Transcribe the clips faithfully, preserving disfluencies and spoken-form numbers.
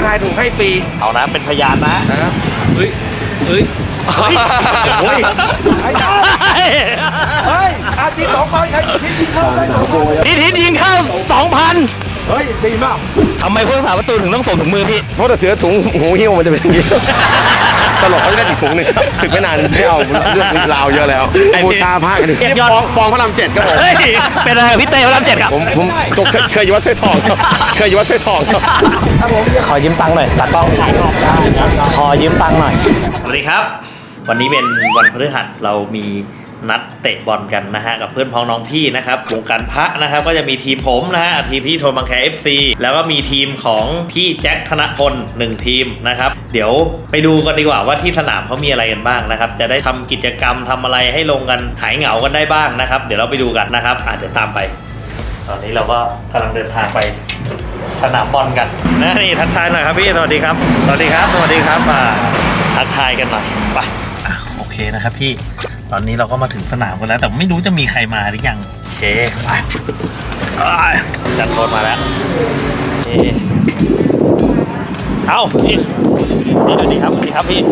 ทายถูกให้ฟรีเอานะเป็นพยานนะนะเฮ้ยเฮ้ยเฮ้ยเฮ้ยไอ้จ้าเฮ้ยอาทิตย์สองพันใครทิศยิงเข้าได้สองพันทิศทิศยิงเข้าสองพันเฮ้ยดีมากทำไมผู้รักษาประตูถึงต้องส่งถุงมือพี่เพราะถ้าเสือถุงหูหิ้วมันจะเป็นอย่างนี้ตลกเขาจะได้ติดถุงหนึ่งสึกไม่นานไม่เอาเรื่องราวเยอะแล้วบูชาพระกันนี่ปองปองพระรามเจ็ดครับผมเป็นอะไรพี่เต้พระรามเจ็ดครับผมผมเคยอยู่วัดสร้อยทองเคยอยู่วัดสร้อยทองขอยืมตังค์หน่อยตากล้องขอยืมตังค์หน่อยสวัสดีครับวันนี้เป็นวันพฤหัสเรามีนัดเตะบอลกันนะฮะกับเพื่อนพ้องน้องพี่นะครับวงการพระนะครับก็จะมีทีมผมนะฮะทีมพี่โทนบางแค เอฟ ซี แล้วก็มีทีมของพี่แจ็คธนพลหนึ่งทีมนะครับเดี๋ยวไปดูกันดีกว่าว่าที่สนามเขามีอะไรกันบ้างนะครับจะได้ทำกิจกรรมทำอะไรให้ลงกันหายเหงากันได้บ้างนะครับเดี๋ยวเราไปดูกันนะครับอาจจะตามไปตอนนี้เราก็กำลังเดินทางไปสนามบอลกันนะนี่ทักทายหน่อยครับพี่สวัสดีครับสวัสดีครับสวัสดีครับมาทักทายกันหน่อยไปโอเคนะครับพี่ตอนนี้เราก็มาถึงสนามกันแล้วแต่ไม่รู้จะมีใครมาหรือยังโอเคไปจัดรถมาแล้วเอาพี่สวัสดีครับสวัสดีครับพี่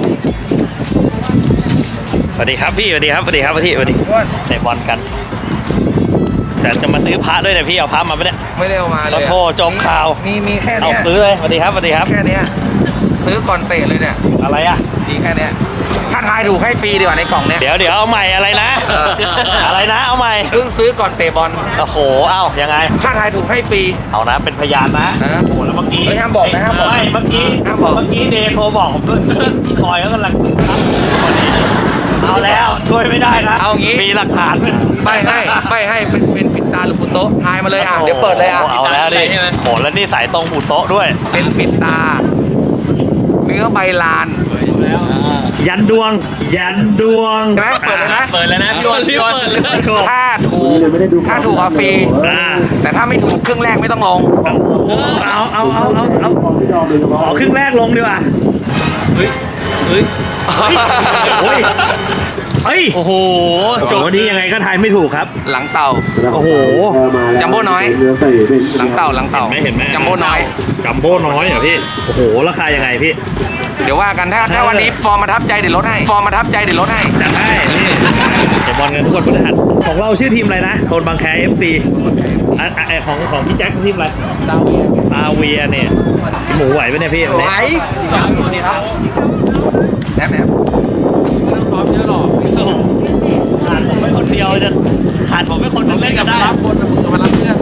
สวัสดีครับพี่สวัสดีครับสวัสดีครับพี่สวัสดีเตะบอลกันแต่จะมาซื้อพระด้วยนะพี่เอาพระมาไม่ได้ไม่ได้เอามาเลยโทรจมข่าวมีมีแค่นี้เอาซื้อเลยสวัสดีครับสวัสดีครับแค่นี้ซื้อก่อนเตะเลยเนี่ยอะไรอ่ะดีแค่นี้ถ้าทายถูกให้ฟรีดีกว่าในกล่องเนี้ยเดี๋ยวเดี๋ยวเอาใหม่อะไรนะอะไรนะเอาใหม่เพิ่งซื้อก่อนเตะบอลโอ้โหเอ้ายังไงถ้าทายถูกให้ฟรีเอานะเป็นพยานนะโอ้แล้วเมื่อกี้ห้ามบอกนะห้ามบอกไม่เมื่อกี้ห้ามบอกเมื่อกี้เดย์โทรบอกผมด้วยพี่คอยก็กำลังเอาแล้วช่วยไม่ได้นะเอางี้มีหลักฐานไปให้ไปให้เป็นเป็นปิดตาหรือปุโต๊ะทายมาเลยอ่ะเดี๋ยวเปิดเลยอ่ะเอาแล้วดิโหแล้วนี่สายตรงปุโต๊ะด้วยเป็นปิดตาเนื้อใบลานยันดวงยันดวงนะเปิดเลยนะเปิดเลยนะพี่วันพี่วันถ้าถูกถ้าถูกเอาฟรีแต่ถ้าไม่ถูกครึ่งแรกไม่ต้องลงเอาเอาเอาเอาเอาขอครึ่งแรกลงดีกว่าเฮ้ยเฮ้ยเฮ้ยเฮ้ยโอ้โหจบวันนี้ยังไงก็ทายไม่ถูกครับหลังเต่าโอ้โหจัมโบ้น้อยหลังเต่าหลังเต่าไม่เห็นไหมจัมโบ้น้อยจัมโบ้น้อยเหรอพี่โอ้โหราคายังไงพี่เดี๋ยวว่ากันถ้าถ้าวันนี้ฟอร์มมาทับใจเดี๋ยวลดให้ฟอร์มมาทับใจเดี๋ยวลดให้จัดให้นี่เตะบอลกันทุกคนพฤหัสของเราชื่อทีมอะไรนะโทนบางแค เอฟ ซี อ่ะไอของของพี่แจ็คทีมอะไรซาเวียซาเวียเนี่ยหมูไหวไหมเนี่ยพี่ไหวดีครับแนบแนบไม่ต้องซ้อมเยอะหรอกขาดผมไม่คนเดียวจะขาดผมไม่คนนึงเล่นกันได้รับคนมารับเพื่อน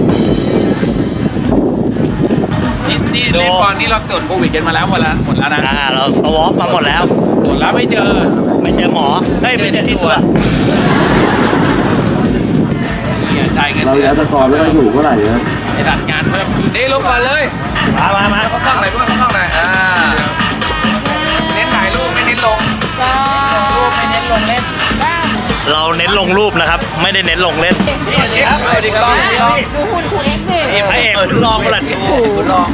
นี่นี่เล่นก่อนนี่เราตรวจโควิดกันมาแล้วหมดแล้วหมดแล้วนะอ่าเราสวอปมาหมดแล้วตรวจแล้วไม่เจอไม่เจอหมอเฮ้ยไม่เจอที่ตัวเนี่ยจ่ายเงินเราแล้วตะกอนไม่ได้ถูกเท่าไหร่นะไอ้ดัดงานเพิ่มนี่ลงก่อนเลยมามามาเขาต้องไหนเพื่อนเขาต้องไหนอ่าเน้นถ่ายรูปไม่เน้นลงรูปไม่เน้นลงเล่นเราเน้นลงรูปนะครับไม่ได้เน้นลงเล่นนี่ครับสวัสดีครับดูหุ่นคุณเอ็กซ์ดินี่พระเอกคุณลองประหลัดชูคุณลอง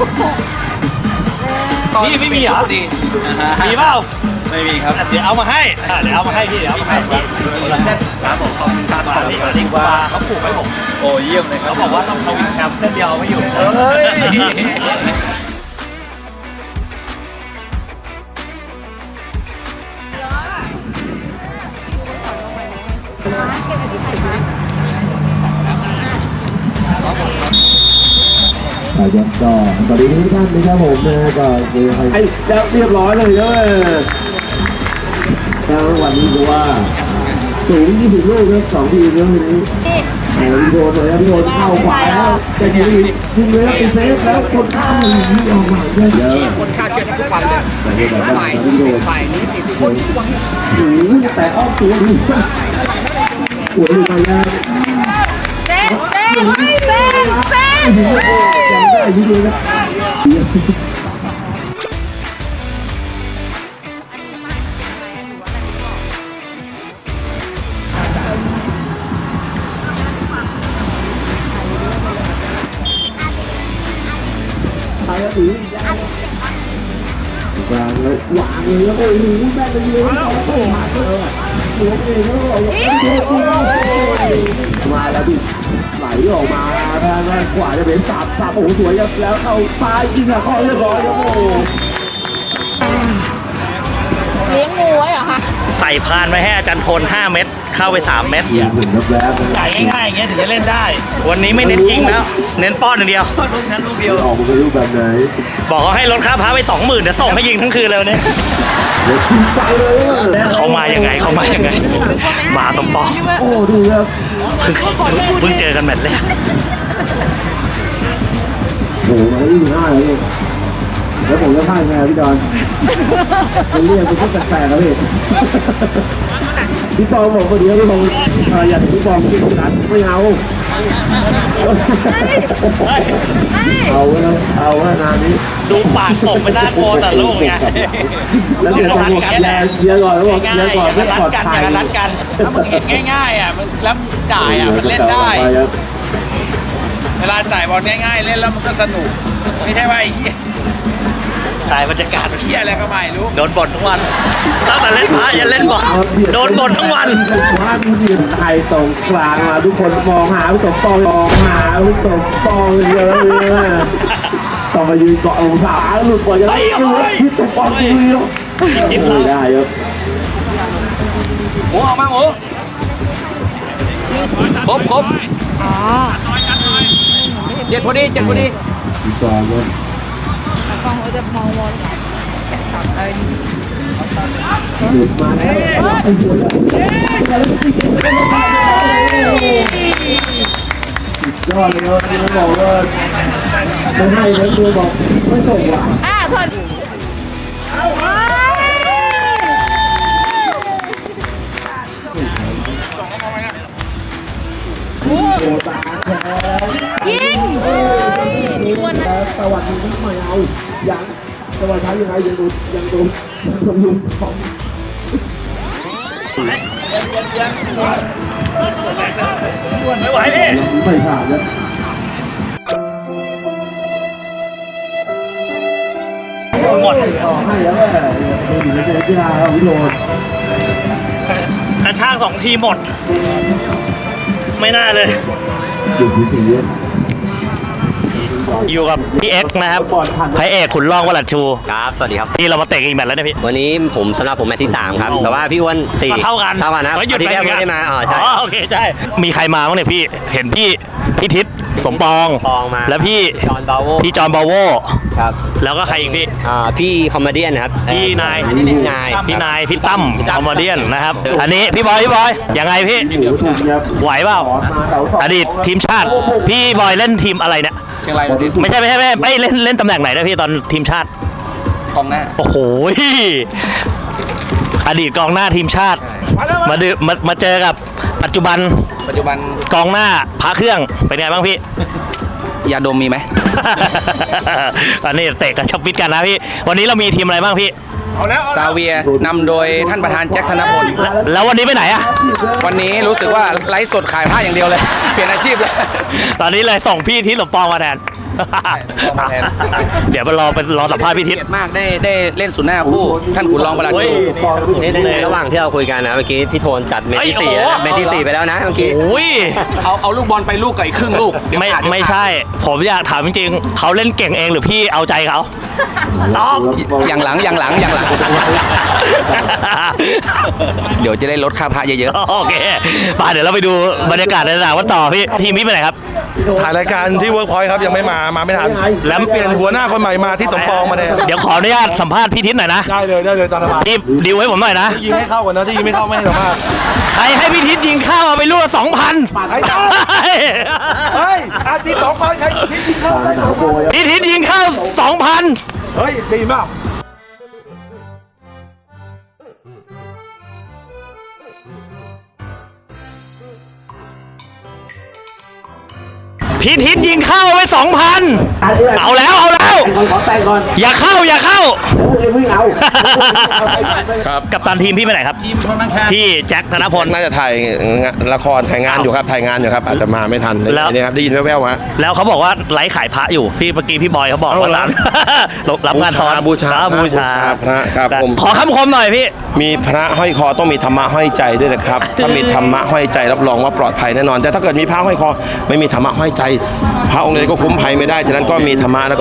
นี่ไม่มีเหรอมีเปล่าไม่มีครับเดี๋ยวเอามาให้เดี๋ยวเอามาให้พี่เดี๋ยวเอามาให้พี่ครับผมขอบคุณครับมาดีกว่าเขาผูกให้ผมโอ้เยี่ยมเลยครับเขาบอกว่าต้องเอาวินแคมเส้นเดียวไม่อยู่เฮ้ยครับก็สวัสดีทุกท่านนะครับผมนะก็คือให้เรียบร้อยเลยเด้อแล้ววันนี้ก็ว่าสูงยี่สิบลูกครับสองทีมแล้ววันนี้ไอ้พี่โดนเลยพี่โดนเข้าขวาแล้วแต่ยิงยิงเลยแล้วเป็นเซฟแล้วคนข้ามยิงออกมาเยอะคนฆ่าเชือกทุกวันเลยฝ่ายฝ่ายนี้ติดคนทุกวันโอ้โหแต่อ้อมตัวดูปวดหัวแล้วเซ่เซ่เซ่เซ่ยังได้ยิงเลยนะวางเลยวางเลยแล้วก็โอ้โหแม่เลยเลยแล้วก็มาเลยหัวเองแล้วก็มาแล้วดิไหลออกมาทางด้านขวาจะเป็นสับสับโอ้โหสวยแล้วเข้าซ้ายยิงอ่ะเข้าเรียบร้อยแล้วโอ้ส่พานไว้ให้อาจารย์พลห้าเม็ดเข้าไปสามเม็ดหนึ่งแวบๆจ่ายง่ายๆอย่างเงี้ยถึงจะเล่นได้ วันนี้ไม่เน้นยิงแล้ว เน้นป้อนอย่างเดียวลูกนั้นลูกเดียวออกมาเป็นรูปแบบไหนบอกเขาให้ลดค่าพาไปสองหมื่นเดี๋ยวส่งให้ยิงทั้งคืนเลยวันนี้เดี๋ยวขึ้นใจเลยอะเขามายังไงเขามายังไงมาตรงปอโอ้ดูครับเพิ่งเจอกันแมตช์แรกโอ้โหมาได้ยี่สิบห้าเลยพี่แล้วผมจะพลาดไงพี่ดอนมันเรียกเป็นพวกแปลกๆครับพี่พี่ปองบอกคนเดียวพี่ปองเอ่ออยากพี่ปองพี่นัดไม่เอาเอาไว้แล้วเอาไว้นานนี้ดูปากส่งไปหน้าโกแต่ลูกไงแล้วเดี๋ยวจะบอกแลเชียร์ก่อนแล้วบอกเชียร์ก่อนไม่ปลอดภัยรัดกันถ้ามึงเห็นง่ายๆอ่ะแล้วจ่ายอ่ะมันเล่นได้ เวลาจ่ายบอลง่ายๆเล่นแล้วมันก็สนุกไม่ใช่ว่าไอ้เหี้ยถ่ายบรรยากาศเฮียอะไรก็ไม่รู้โดนบ่นทั้งวันตั้งแต่เล่นพระยันเล่นบอลโดนบ่นทั้งวันว่ามีทีมไทยตรงกลางมาทุกคนมองหาพี่สมปองมองหาพี่สมปองเยอะเลยต้องมายืนเกาะองศาหลุดกว่าจะได้ดูพี่สมปองดูเยอะไม่ได้ครับหมูออกมาหมูครบครบเจ็ดพอดีเจ็ดพอดีพี่สองครับกล้องเขาจะมองวนแกะช็อตอะไรนี่หลุดมาแล้วยอดเลยครับที่บอกว่าไม่ให้แล้วตัวบอกไม่ส่งว่ะอ่าทนโอ้ตาแฉยิงชวนนะสวัสดีที่ไม่เอายังสวัสดียังไงยังดูยังดูยังสมดุลของไม่ไหวพี่ไม่ผ่านแล้วหมดต่อให้แล้วแหละดูดีในกีฬาเราวิโรจน์กระชากสองทีหมด ไม่น่าเลยดูดีสีอยู่กับพี่เอ็กซ์นะครับพระเอกขุนร่องวลัดชูครับ สวัสดีครับที่เรามาเตะอีกแมตช์แล้วเนะพี่วันนี้ผมสำหรับผมแมตช์ที่สามครับ แต่ว่าพี่อ้วนสี่เท่ากันเท่ากันนะเพราะหยุดอาที่ไปแล้วเหมือนกันไม่ได้มาอ๋อใช่อ๋อโอเคใช่มีใครมาบ้างเนี่ยพี่เห็นพี่พี่ทิศสมปองปองมาแล้วพี่จอห์นบาโวพี่จอห์นบาโวครับแล้วก็ใครอีกพี่อ่าพี่คอมเมเดี้นะครับพี่นายพี่นายพี่นายพี่ตั้มคอมเมเดี้นะครับ อันนี้พี่บอยพี่บอยยังไงพี่หมูถูกยับไหวเปล่าขอมาเสาสองอดีตทีมชาติ พี่บอยเล่นทีมอะไรเนี่ยเชียงรายยูไนเต็ดไม่ใช่ไม่ใช่ไม่ใช่ไม่เล่นเล่นตำแหน่งไหนนะพี่ตอนทีมชาติกองหน้าโอ้โหอดีตกองหน้าทีมชาติ มาดืมามาเจอกับปัจจุบันปัจจุบันกองหน้าพระเครื่องเป็นไงบ้างพี่ยาดมมีไหมอันนี้เตะกับชับปิดกันนะพี่ วันนี้เรามีทีมอะไรบ้างพี่ซาเวียนำโดยท่านประธานแจ็คธนพลแล้วแล้ววันนี้ไปไหนอะวันนี้รู้สึกว่าไลฟ์สดขายผ้าอย่างเดียวเลย เปลี่ยนอาชีพเลยตอนนี้เลยส่งพี่ทิศสมปองมาแทนส่งมาแทนเดี๋ยวไปรอไปรอสัมภาษณ์พี่ทิศเกียรติมากได้ได้เล่นศูนย์หน้าคู่ ท่านขุนรองประหลัดโอ้ยชูในในในระหว่างที่เราคุยกันนะเมื่อกี้พี่โทนจัดเมตช์ที่สี่เอ้ยโอ้โหนะเมตช์ที่สี่ไปแล้วนะเมื่อกี้โอ้ยเอาเอาลูกบอลไปลูกกับอีกครึ่งลูกเดี๋ยวไม่ขาดเดี๋ยวไม่ขาดใช่ ผมอยากถามจริงๆเขาเล่นเก่งเองหรือพี่เอาใจเขาตอบอย่างหลังอย่างหลังอย่างหลัง เดี๋ยวจะได้ลดค่าพระเยอะโอเคป่าเดี๋ยวเราไปดูบรรยากาศในสนามวันต่อพี่ทีมพี่ไปไหนครับถ่ายรายการที่เวิร์กพอยต์ครับยังไม่มามาไม่ทัน แล้วเปลี่ยนหัวหน้าคนใหม่มาที่สมปองมาแทนเดี๋ยวขออนุญาตสัมภาษณ์พี่ทิศหน่อยนะได้เลยได้เลยตอนละมาพี่ดิวให้ผมหน่อยนะยิงให้เข้าก่อนนะที่ยิงไม่เข้าไม่ให้สัมภาษณ์ใครให้พี่ทิศยิงเข้าเอาไปรั่วสองพันไอ้จ้าเฮ้ยอาทิตย์สองพันใครยิงเข้าได้สองพันพี่ทิศยิงเข้าสองพันเฮ้ยดีมากพี่ทิศยิงเข้าไปสองพันเอาแล้วเอาแล้วขอแต่งก่อนอย่าเข้าอย่าเข้าแล้วมึงเอาครับกับตันทีมพี่ไปไหนครับพี่แจ็คธนพลน่าจะถ่ายละครถ่ายงานอยู่ครับถ่ายงานอยู่ครับอาจจะมาไม่ทันแล้วนี่ครับได้ยินแว่วๆฮะแล้วเขาบอกว่าไลฟ์ขายพระอยู่พี่เมื่อกี้พี่บอยเขาบอกว่าร้าน รับงานซ้อนบูชาครับบูชาพระครับผมขอคำคมหน่อยพี่มีพระห้อยคอต้องมีธรรมะห้อยใจด้วยนะครับ ถ้ามีธรรมะห้อยใจรับรองว่าปลอดภัยแน่นอน แต่ถ้าเกิดมีพระห้อยคอไม่มีธรรมะห้อยใจ พระองค์ใดก็คุ้มภัยไม่ได้ฉะนั้นก็มีธรรมะแล้วก็มีพระ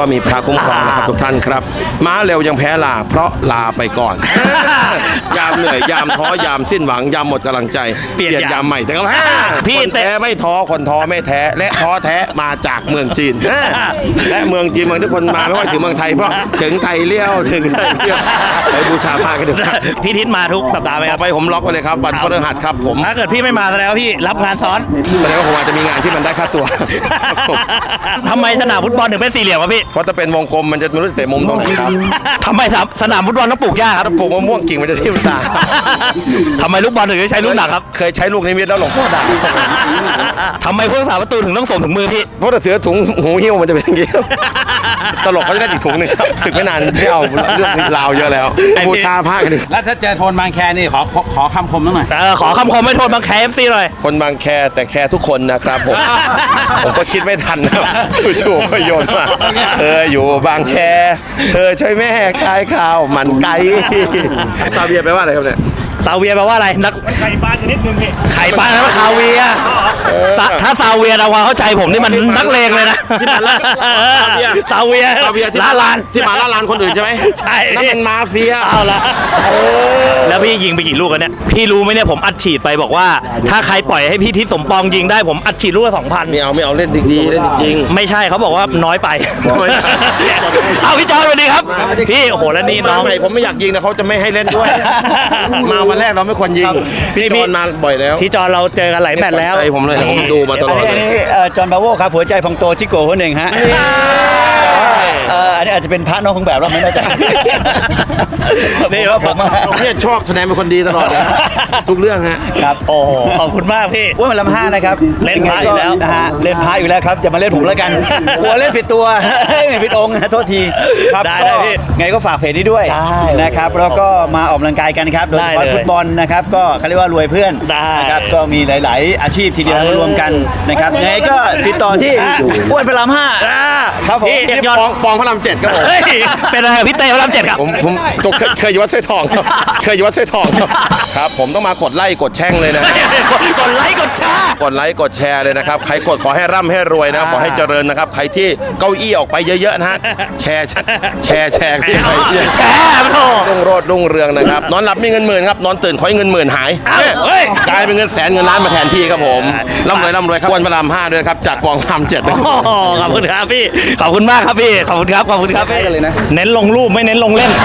คุ้มครองนะครับทุกท่านครับม้าเร็วยังแพ้ลาเพราะลาไปก่อน ยามเหนื่อยยามท้อยามสิ้นหวังยามหมดกำลังใจเปลี่ยนยามใหม่แต่ก็แพ้พี่คนแต่แท้ไม่ท้อคนท้อไม่แท้และท้อแท้มาจากเมืองจีน และเมืองจีนเมืองที่คนมาไม่ค่อยถึงเมืองไทยเพราะถึงไทยเลี้ยวถึงไทยเลี้ยวไปบูชาพระกันเถอะพี่ทิศมาทุกสัปดาห์ไหมคต่รัอบ ไปผมล็อกไว้เลยครับวันพฤหัสครับผมถ้าเกิดพี่ไม่มาแสดงว่าพี่รับงานซ้อนแสดงว่าผมอาจจะมีงานที่มันได้ค่าตัว ครับผมทำไมสนามฟุตบอลถึงเป็นสี่เหลี่ยมวะพี่เพราะถ้าเป็นวงกลมมันจะไม่รู้จะเตะมุมตรงไหนครับทำไมสนามฟุตบอลต้องปลูกหญ้าครับถ้าปลูกมะม่วงกิ่งมันจะทิ่มตาทำไมลูกบอลถึงใช้ลูกหนักครับเคยใช้ลูกนิมิตแล้วหลวงพ่อด่าทำไมผู้รักษาประตูถึงต้องส่งถึงมือพี่เพราะถ้าเสือถุงหูหิ้วมันจะเป็นอย่างนี้ ตลกเขาจะได้อีกถุงหนึ่งครับศึกไม่นานไม่เอาเรื่องราวเยอะแล้วบูชาพระกันดิแล้วถ้าเจอโทนบางแคนี่ขอขอขอคำคมหน่อยเออขอคำคมไม่โทษบางแคเอฟซีหน่อยคนบางแคแต่แคทุกคนนะครับผม ผมก็คิดไม่ทันนะจู่ๆก็โยนมาเธออยู่บางแค เธอช่วยแม่ขายข้าวมันไก่ ซาเบียแปลว่าอะไรครับเนี่ยซาเวียแปลว่าอะไรนักไข่ปลาชนิดนึงพี่ไข่ปลาแปลว่าคาเวียร์ซะถ้าซาเวียเราว่าเข้าใจผมนี่มันนักเลงเลยนะที่มันละซาเวียซาเบียที่ลาลานที่มาล่าลานคนอื่นใช่ไหมใช่นั่นมันมาเฟียเอาละแล้วพี่ยิงไปกี่ลูกกันเนี่ยพี่รู้ไหมเนี่ยผมอัดฉีดไปบอกว่า ถ้าใครปล่อยให้พี่ทิศสมปองยิงได้ผมอัดฉีดลูกละสองพันไม่เอาไม่เอาเล่นดีๆเล่นจริงไม่ใช่เขาบอกว่าน้อยไปไม่ใช่เอาพี่จอนสวัสดีครับ พี่โอ้โหแล้วนี่ๆน้มาองใหม่ผมไม่อยากยิงนะเขาจะไม่ให้เล่นด้วย มาวันแรกเราไม่ควรยิงพี่พี่พี่จอนมาบ่อยแล้วพี่จอนเราเจอกันหลายแมตช์แล้วใจผมเลยผมดูมาตลอดอันเลนี้ยเอ่อจอห์นบาโวครับหัวใจพองโตชิโก้คนหนึ่งฮะเอ่ออันนี้อาจจะเป็นพระน้องของแบบเราไม่แน่ใจนี่ว่าผมผมเนี่ยชอบแสดงเป็นคนดีตลอดนะทุกเรื่องฮะครับโอ้โหขอบคุณมากพี่อ้วนมันลำห้านะครับเล่นพระอยู่แล้วนะฮะเล่นพระอยู่แล้วครับอย่ามาเล่นผมแล้วกันกลัวเล่นผิดตัว ไม่ผิดองค์นะโทษทีครับได้ก็ได้พี่ไงก็ฝากเพจนี้ด้วยได้นะครับแล้วก็มาออกกำลังกายกันครับโดยเฉได้พาะเลยฟุตบอลนะครับก็เขาเรียกว่ารวยเพื่อนได้นะครับก็มีหลาย ๆ อาชีพทีเดียวเออมารวมกันนะครับไงก็ติดต่อที่อ้วนพระรามห้าอ่าครับผมพี่เอกที่ยอดปองปองพระรามเจ็ดครับผมเฮ้ยเป็นอะไรกับพี่เต้พระรามเจ็ดครับผมผมผมเคยเคยอยู่วัดไส้ทองครับ เคยอยู่วัดไส้ทองครับครับผมต้องมากดไลค์กดแช่งเลยนะกดไลค์กดแชร์กดไลค์กดแชร์เลยนะครับ ใครกดขอให้ร่ำให้รวยนะครับขอให้เจริญนะครับ ใครที่เก้าอี้ออกไปเยอะๆนะฮะแชร์แชร์แชร์แชร์แชร์โธ่รุ่งโรจน์รุ่งเรืองนะครับ นอนหลับมีเงินหมื่นครับ นอนตื่นขอให้เงินหมื่นหายเอ้าเฮ้ยกลายเป็นเงินแสนเงินล้านมาแทนที่ครับผมร่ำรวยร่ำรวยครับวันพระรามห้าด้วยครับจากกองพระรามเจ็ดนะครับโอ้โหขอบคุณครับพี่ ขอบคุณมากครับพี่ ขอบคุณครับ ขอบคุณครับพี่เน้นลงรูปไม่เน้นลงเล่น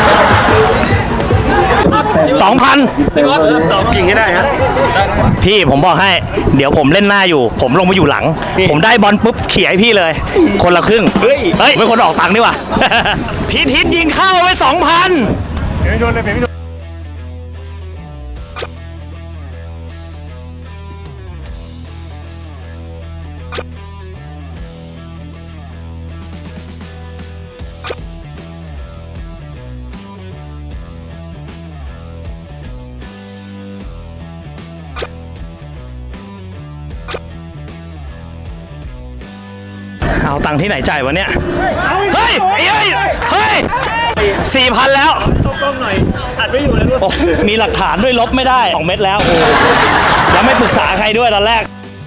สองพันกิ่งให้ได้ฮะพี่ผมบอกให้ เดี๋ยวผมเล่นหน้าอยู่ ผมลงมาอยู่หลัง ผมได้บอลปุ๊บเขี่ยให้พี่เลย คนละครึ่ง เฮ้ยเฮ้ยเป็นคนออกตังค์ดีกว่า พี่ทิศยิงเข้าไปสองพันเอาตังค์ที่ไหนจ่ายวะเนี่ย เฮ้ยเฮ้ยเฮ้ยสี่พันแล้วต้องหน่อยอัดไม่อยู่แล้วด้วยมีหลักฐานด้วยลบไม่ได้สองเม็ดแล้วโอ้แล้วไม่ปรึกษาใครด้วยตอนแรก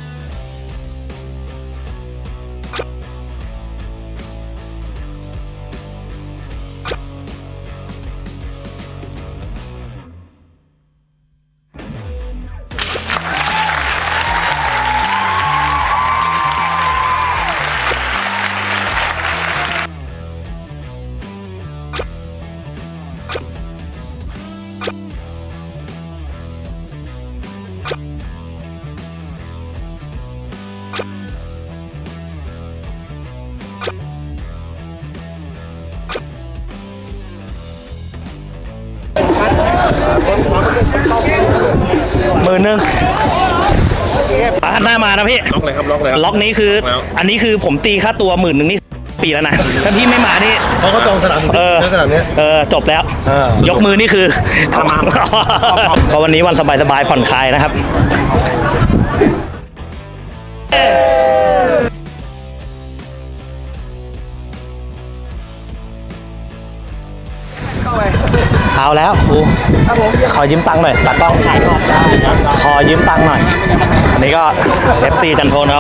หมื่นหนึ่งอ่ะหน้ามานะพี่ล็อกเลยครับล็อกเลยครับล็อกนี้คือแล้วอันนี้คือผมตีค่าตัวหมื่นหนึ่งนี่ปีแล้วนะ ถ้าพี่ไม่มานี่เขาก็จองสนามเออสนามเนี้ยเออจบแล้วเออยกมือนี่คือทำมาก็วันนี้วันสบายๆผ่อนคลายนะครับเอาแล้วครูขอยืมตังค์หน่อยตากล้องขอยืมตังค์หน่อยอันนี้ก็ เอฟ ซี จันโทนเขา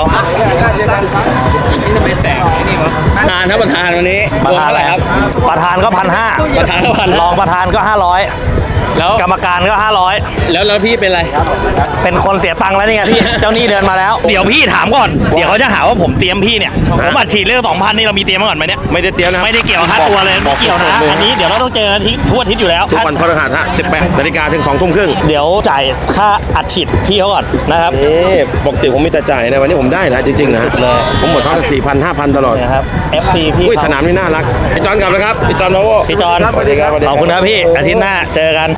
ประธานครับประธานวันนี้ประธานอะไรครับประธานก็พันห้าประธานก็พันรองประธานก็ห้าร้อยแล้วกรรมการก็ห้าร้อยแล้วแล้วพี่เป็นไรเป็นคนเสียตังค์แล้วนี่ไงพี่ เจ้าหนี้เดินมาแล้ว เดี๋ยวพี่ถามก่อน เดี๋ยวเขาจะหาว่าผมเตรียมพี่เนี่ย ผมอัดฉีดเรื่องสองพันนี่เรามีเตรียมมาก่อนไหมเนี่ยไม่ได้เตรียมนะครับไม่ได้เกี่ยวกับค่าตัวเลยไม่เกี่ยวนะ อันนี้เดี๋ยวเราต้องเจอกันที่ทั่วอาทิตย์อยู่แล้วทุกวันพฤหัสฮะสิบแปดนาฬิกาถึงสองทุ่มครึ่งเดี๋ยวจ่ายค่าอัดฉีดพี่เขาก่อนนะครับเอ๊ะปกติผมมีแต่จ่ายนะวันนี้ผมได้นะจริงๆนะเลยผมหมดท้องสี่พันห้าพันตลอดนะครับ เอฟ ซี พี่อุ้ยเขาสนามนี่น่ารักพี่จอนกลับแล้วครับพี่จอนมาโว้พี่จอนสวัสดีครับสวัสดีขอบคุณครับพี่ อาทิตย์หน้าเจอกัน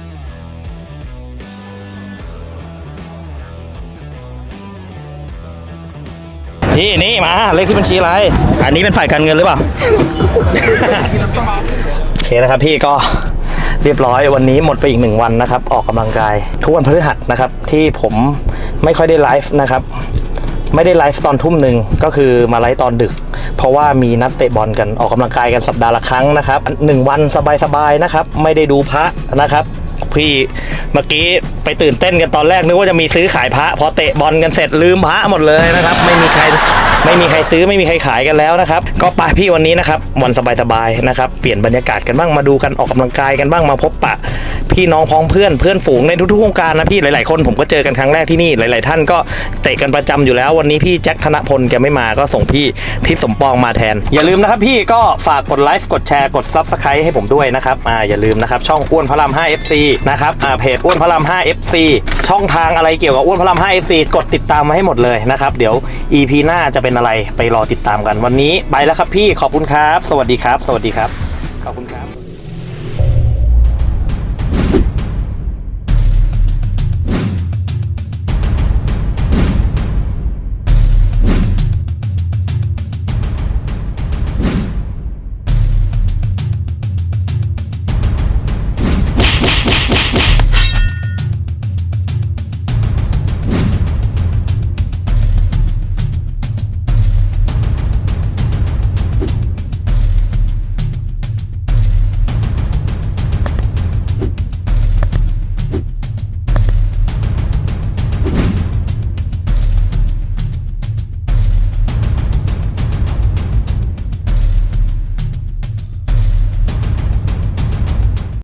พี่นี่มาเลขที่บัญชีอะไร อันนี้เป็นฝ่ายการเงินหรือเปล่า โอเคนะครับพี่ก็เรียบร้อยวันนี้หมดไปอีกหนึ่งวันนะครับ ออกกำลังกายทุกวันพฤหัสนะครับ ที่ผมไม่ค่อยได้ไลฟ์นะครับ ไม่ได้ไลฟ์ตอนทุ่มหนึ่งก็คือมาไลฟ์ตอนดึก เพราะว่ามีนัดเตะบอลกันออกกำลังกายกันสัปดาห์ละครั้งนะครับหนึ่งวันสบายๆนะครับไม่ได้ดูพระนะครับพี่เมื่อกี้ไปตื่นเต้นกันตอนแรกนึกว่าจะมีซื้อขายพระพอเตะบอลกันเสร็จลืมพระหมดเลยนะครับไม่มีใครไม่มีใครซื้อไม่มีใครขายกันแล้วนะครับก็ไปพี่วันนี้นะครับวันสบายๆนะครับเปลี่ยนบรรยากาศกันบ้างมาดูกันออกกำลังกายกันบ้างมาพบปะพี่น้องพ้องเพื่อนเพื่อนฝูงในทุกๆวงการนะพี่หลายๆคนผมก็เจอกันครั้งแรกที่นี่หลายๆท่านก็เตะกันประจำอยู่แล้ววันนี้พี่แจ็คธนพลแกไม่มาก็ส่งพี่ทิศสมปองมาแทนอย่าลืมนะครับพี่ก็ฝากกดไลค์กดแชร์กด ซับสไครบ์ ให้ผมด้วยนะครับอ่าอย่าลืมนะครับช่องอ้วนพระราม ห้า เอฟ ซี นะครับอ่าเพจอ้วนพระราม ห้า เอฟ ซี ช่องทางอะไรเกี่ยวกับอ้วนพระราม ห้า เอฟ ซี กดติดตามมาให้หมดเลยนะครับเดี๋ยว อี พี หน้าจะเป็นอะไรไปรอติดตามกันวันนี้ไปแล้วครับพี่ขอบคุณครับสวัสดีครับสวัสดีครับ